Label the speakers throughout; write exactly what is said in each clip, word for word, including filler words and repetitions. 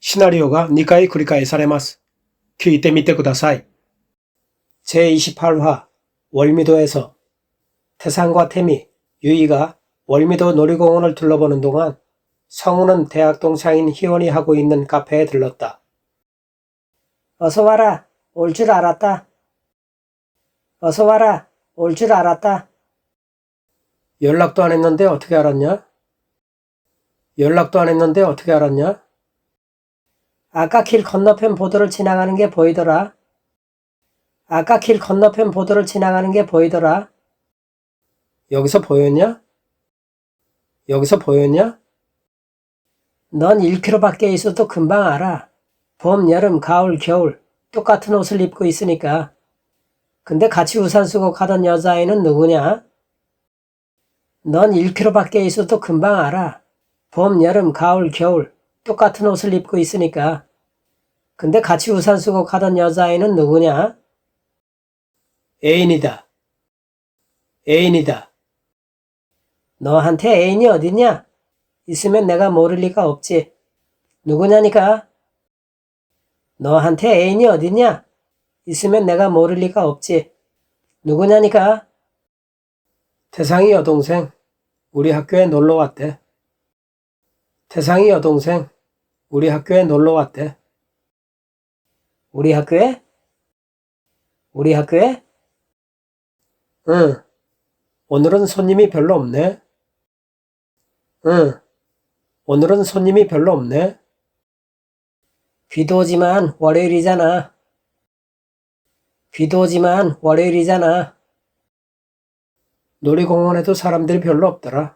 Speaker 1: シナリオがにかい繰り返されます。聞いてみてください。제이십팔 화 월미도에서 태상과 태미, 유이가 월미도 놀이공원을 둘러보는 동안 성우는 대학 동창인 희원이 하고 있는 카페에 들렀다. 어서 와라. 올 줄 알았다. 어서 와라. 올 줄 알았다. 연락도 안 했는데 어떻게 알았냐? 연락도 안 했는데 어떻게 알았냐? 아까 길 건너편 보도를 지나가는 게 보이더라. 아까 길 건너편 보도를 지나가는 게 보이더라. 여기서 보였냐? 여기서 보였냐? 넌 일 킬로미터 밖에 있어도 금방 알아. 봄, 여름, 가을, 겨울 똑같은 옷을 입고 있으니까. 근데 같이 우산 쓰고 가던 여자아이는 누구냐? 넌 일 킬로미터 밖에 있어도 금방 알아. 봄, 여름, 가을, 겨울 똑같은 옷을 입고 있으니까. 근데 같이 우산 쓰고 가던 여자아이는 누구냐? 애인이다. 애인이다. 너한테 애인이 어딨냐? 있으면 내가 모를 리가 없지. 누구냐니까? 너한테 애인이 어딨냐? 있으면 내가 모를 리가 없지. 누구냐니까? 태상이 여동생, 우리 학교에 놀러 왔대. 태상이 여동생, 우리 학교에 놀러 왔대. 우리 학교에? 우리 학교에? 응. 오늘은 손님이 별로 없네. 응. 오늘은 손님이 별로 없네. 비도 오지만 월요일이잖아. 비도 오지만 월요일이잖아. 놀이공원에도 사람들이 별로 없더라.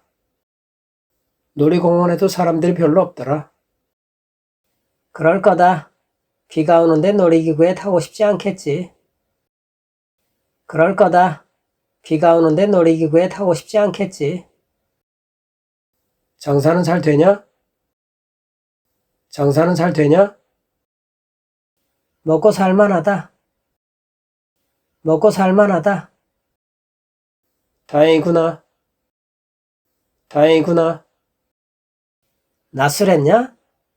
Speaker 1: 놀이공원에도 사람들이 별로 없더라. 그럴 거다. 비가 오는데 놀이기구에 타고 싶지 않겠지. 그럴 거다. 비가 오는데 놀이기구에 타고 싶지 않겠지. 장사는 잘 되냐? 장사는 잘 되냐? 먹고 살만하다. 먹고 살만하다. 다행이구나. 다행이구나. 낯설했냐?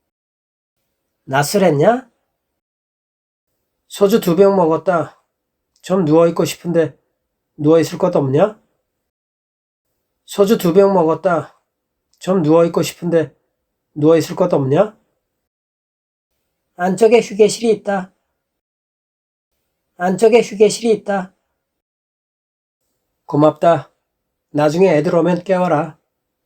Speaker 1: 낯설했냐? 소주 두 병 먹었다. 좀 누워있고 싶은데 누워있을 곳 없냐? 소주 두 병 먹었다. 좀 누워있고 싶은데 누워있을 곳 없냐? 안쪽에 휴게실이 있다. 안쪽에 휴게실이 있다. 고맙다. 나중에 애들 오면 깨워라.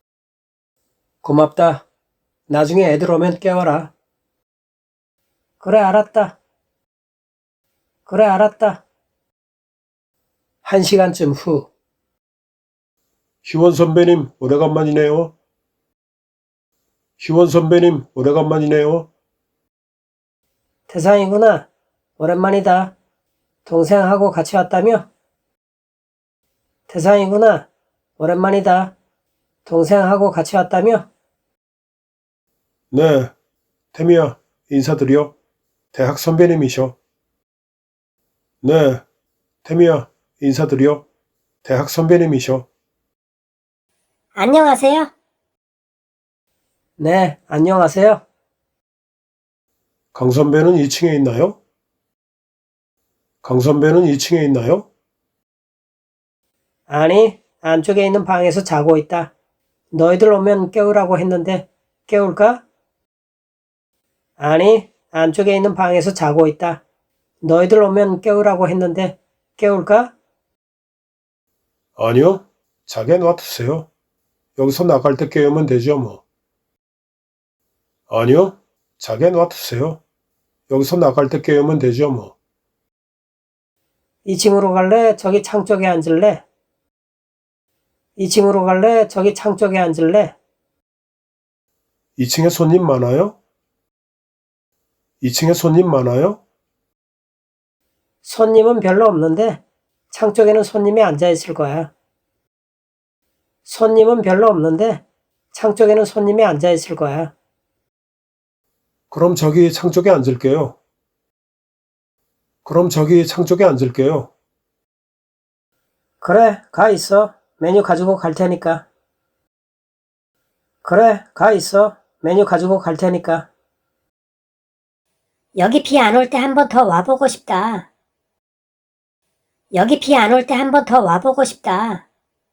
Speaker 1: 고맙다. 나중에 애들 오면 깨워라. 그래, 알았다. 그래, 알았다. 한 시간쯤 후.
Speaker 2: 희원 선배님, 오래간만이네요. 희원 선배님, 오래간만이네요.
Speaker 1: 태상이구나. 오랜만이다. 동생하고 같이 왔다며? 태상이구나. 오랜만이다. 동생하고 같이 왔다며?
Speaker 2: 네, 태미야, 인사드려. 대학 선배님이셔. 네, 태미야, 인사드려. 대학 선배님이셔.
Speaker 3: 안녕하세요.
Speaker 1: 네, 안녕하세요.
Speaker 2: 강 선배는 이 층에 있나요? 강 선배는 이 층에 있나요?
Speaker 1: 아니, 안쪽에 있는 방에서 자고 있다. 너희들 오면 깨우라고 했는데 깨울까? 아니, 안쪽에 있는 방에서 자고 있다. 너희들 오면 깨우라고 했는데 깨울까?
Speaker 2: 아니요, 자게 놔두세요. 여기서 나갈 때 깨우면 되죠, 뭐. 아니요, 자게 놔두세요. 여기서 나갈 때 깨우면 되죠, 뭐.
Speaker 1: 이 층으로 갈래? 저기 창 쪽에 앉을래? 이 층으로 갈래? 저기 창 쪽에 앉을래?
Speaker 2: 이 층에 손님 많아요? 이 층에 손님 많아요?
Speaker 1: 손님은 별로 없는데 창 쪽에는 손님이 앉아 있을 거야. 손님은 별로 없는데 창 쪽에는 손님이 앉아 있을 거야.
Speaker 2: 그럼 저기 창 쪽에 앉을게요. 그럼 저기 창 쪽에 앉을게요.
Speaker 1: 그래, 가 있어. 메뉴 가지고 갈 테니까. 그래, 가 있어. 메뉴 가지고 갈 테니까.
Speaker 3: 여기 비 안 올 때 한 번 더 와보고 싶다. 여기 비 안 올 때 한 번 더 와보고 싶다.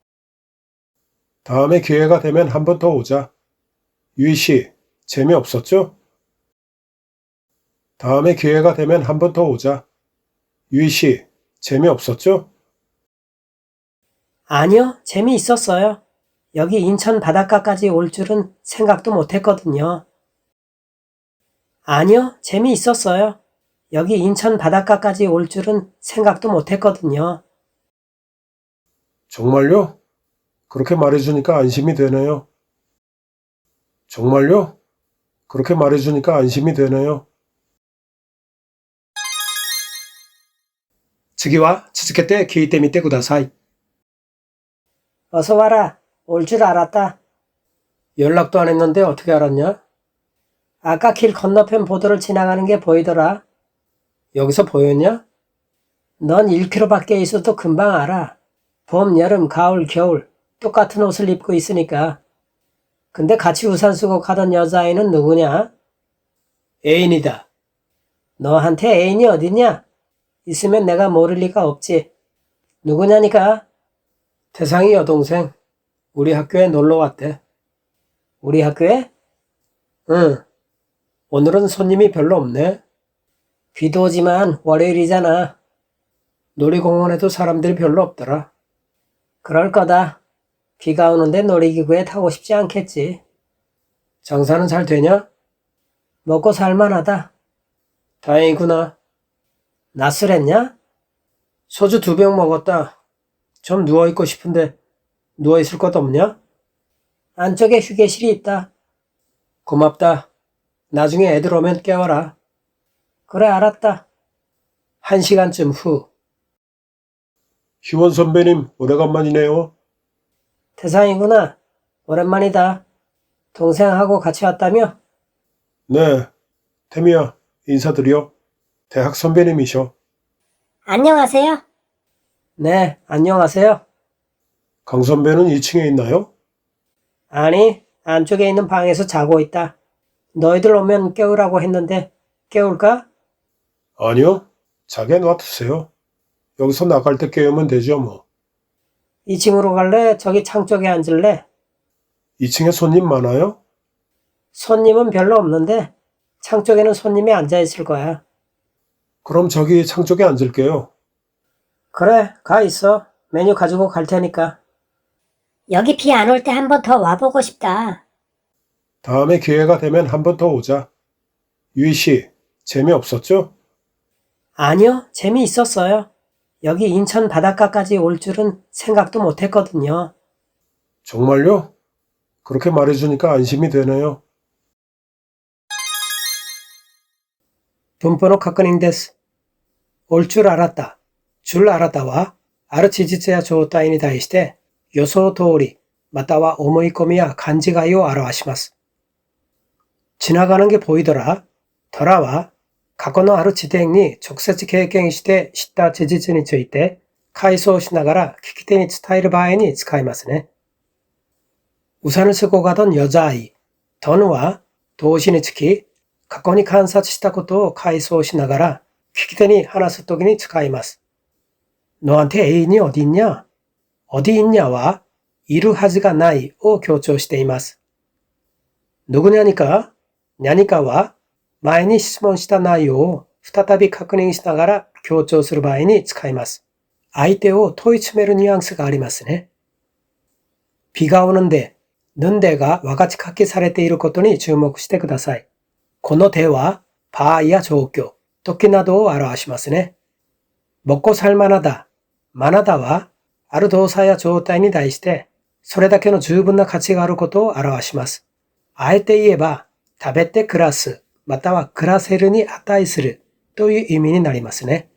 Speaker 2: 다음에 기회가 되면 한 번 더 오자. 유희 씨, 재미없었죠? 다음에 기회가 되면 한 번 더 오자. 유희 씨, 재미없었죠?
Speaker 1: 아니요, 재미있었어요. 여기 인천 바닷가까지 올 줄은 생각도 못했거든요. 아니요, 재미있었어요. 여기 인천 바닷가까지 올 줄은 생각도 못했거든요.
Speaker 2: 정말요? 그렇게 말해주니까 안심이 되네요. 정말요? 그렇게 말해주니까 안심이 되네요.
Speaker 1: 次は続けて聞いてみてください. 어서 와라. 올 줄 알았다. 연락도 안 했는데 어떻게 알았냐? 아까 길 건너편 보도를 지나가는 게 보이더라. 여기서 보였냐? 넌 일 킬로미터 밖에 있어도 금방 알아. 봄, 여름, 가을, 겨울 똑같은 옷을 입고 있으니까. 근데 같이 우산 쓰고 가던 여자아이는 누구냐? 애인이다. 너한테 애인이 어딨냐? 있으면 내가 모를 리가 없지. 누구냐니까? 태상이 여동생. 우리 학교에 놀러 왔대. 우리 학교에? 응. 오늘은 손님이 별로 없네. 비도 오지만 월요일이잖아. 놀이공원에도 사람들이 별로 없더라. 그럴 거다. 비가 오는데 놀이기구에 타고 싶지 않겠지. 장사는 잘 되냐? 먹고 살만하다. 다행이구나. 낮술했냐? 소주 두 병 먹었다. 좀 누워있고 싶은데 누워있을 곳 없냐? 안쪽에 휴게실이 있다. 고맙다. 나중에 애들 오면 깨워라. 그래, 알았다. 한 시간쯤 후.
Speaker 2: 희원 선배님, 오래간만이네요.
Speaker 1: 태상이구나. 오랜만이다. 동생하고 같이 왔다며?
Speaker 2: 네, 태미야, 인사드려. 대학 선배님이셔.
Speaker 3: 안녕하세요.
Speaker 1: 네, 안녕하세요.
Speaker 2: 강 선배는 이 층에 있나요?
Speaker 1: 아니, 안쪽에 있는 방에서 자고 있다. 너희들 오면 깨우라고 했는데 깨울까?
Speaker 2: 아니요, 자게 놔두세요. 여기서 나갈 때 깨우면 되죠, 뭐.
Speaker 1: 이 층으로 갈래? 저기 창 쪽에 앉을래?
Speaker 2: 이 층에 손님 많아요?
Speaker 1: 손님은 별로 없는데 창 쪽에는 손님이 앉아 있을 거야.
Speaker 2: 그럼 저기 창 쪽에 앉을게요.
Speaker 1: 그래, 가 있어. 메뉴 가지고 갈 테니까.
Speaker 3: 여기 비 안 올 때 한 번 더 와보고 싶다.
Speaker 2: 다음에 기회가 되면 한 번 더 오자. 유희 씨, 재미없었죠?
Speaker 1: 아니요, 재미있었어요. 여기 인천 바닷가까지 올 줄은 생각도 못했거든요.
Speaker 2: 정말요? 그렇게 말해주니까 안심이 되네요.
Speaker 1: 분포노 카크닝 데스. 올 줄 알았다. 줄 알았다와 아르치지츠야 조타이니 다이시테 요소 도리 마타와 오모이코미야 간지가이오 아라와시마스. 지나가는 게 보이더라. 더라와 과거의ある地点に直接経験して知った事実について回想しながら聞き手に伝える場合に使いますね。 우산을 쓰고 가던 여자아이, 더누와 도시니 츠키, 과거니 관사したことを回想しながら聞き手に話すときに使います. 너한테 애인이 어디 있냐? 어디 있냐와 이루 하즈가 나이を強調しています. 누구냐니까, 냐니까와 前に質問した内容を再び確認しながら強調する場合に使います. 相手を問い詰めるニュアンスがありますね. 비가 오는데, 는데가 와같이書きされていることに注目してください. この手は場合や状況、時などを表しますね. 먹고 살만하다, 만하다와 ある動作や状態に対してそれだけの十分な価値があることを表します. あえて言えば、食べて暮らす、または暮らせるに値するという意味になりますね.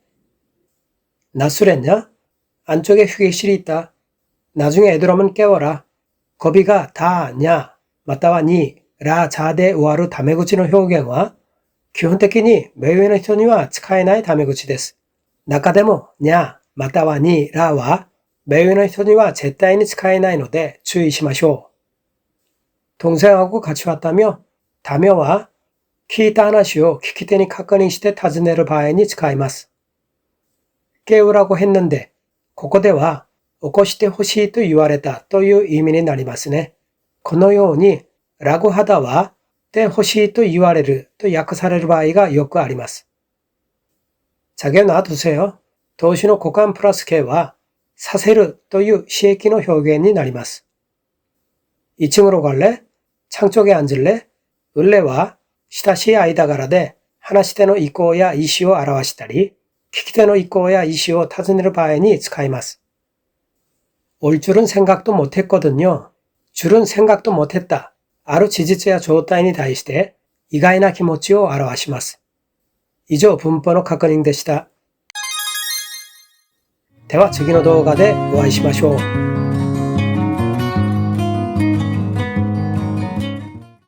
Speaker 1: 낮술했냐? 안쪽에 휴게실이 있다. 나중에 애들 오면 깨워라. 거비가 다, 냐, またはに、ら、자で終わるタメ口の表現は、基本的に目上の人には使えないタメ口です。中でも、にゃ、またはに、らは、目上の人には絶対に使えないので注意しましょう。동생하고 같이 왔다며? 다며와 聞いた話を聞き手に確認して尋ねる場合に使います。깨우라고 했는데, ここでは起こしてほしいと言われたという意味になりますね。このように、라고 하다와 때欲しいと言われると訳される場合がよくあります。자기야 놔두세요.動詞の股間プラス形はさせるという詞液の表現になります。이 층으로 갈래? 창 쪽에 앉을래? 을래와 시다시 아이다가라で話し手の意向や意思を表したり、聞き手の意向や意思を尋ねる場合に使います。올 줄은 생각도 못했거든요. 줄은 생각도 못했다. ある事実や状態に対して意外な気持ちを表します。以上、文法の確認でした。では次の動画でお会いしましょう。